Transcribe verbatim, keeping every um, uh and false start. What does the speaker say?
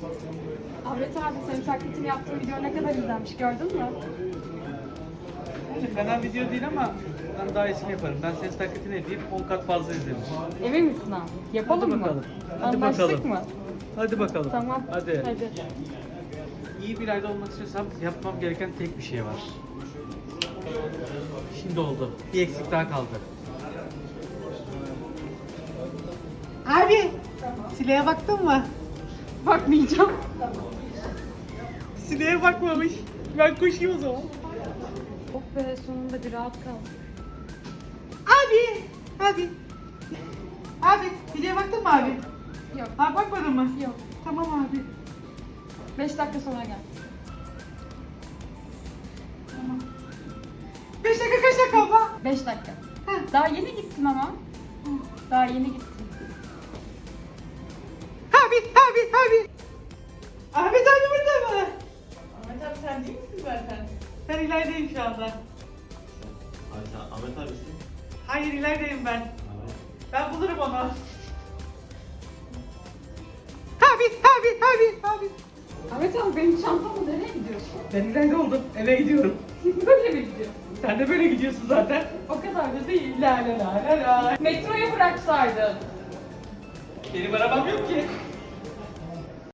Ahmet abi senin taklitini yaptığın video ne kadar izlenmiş gördün mü? Yani fena video değil ama ben daha iyisini yaparım. Ben ses taklitini edeyim on kat fazla izlenir. Emin misin abi? Yapalım Hadi mı? bakalım. Hadi Anlaştık bakalım. mı? Hadi bakalım. Tamam. Hadi. Hadi. İyi bir ayda olmak istiyorsam yapmam gereken tek bir şey var. Şimdi oldu. Bir eksik daha kaldı. Abi, Sile'ye baktın mı? Bakmayacağım. Sile'ye bakmamış. Ben koşayım o zaman. Oh be sonunda bir rahat kal. Abi, abi. Abi, Sile'ye baktın mı abi? Yok. Ha bakmadın mı? Yok. Tamam abi. Beş dakika sonra gel. Tamam. Beş dakika kaç dakika abla? Beş dakika. Heh. Daha yeni gittin ama. Daha yeni gittin. Abi, abi, abi. Ahmet abi burada mı? Ahmet abi sen değil misin zaten? Ben ilerideyim şu anda. Abi sen Ahmet abisin. Hayır ilerideyim ben. Ben bulurum onu. Abi, abi, abi, abi. Ahmet abi benim çantamla nereye gidiyorsun? Ben ileride oldum. Eve gidiyorum. Böyle mi gidiyorsun? Sen de böyle gidiyorsun zaten. O kadar da değil. La la la la la. Metroya bıraksaydın. Benim arabam yok ki.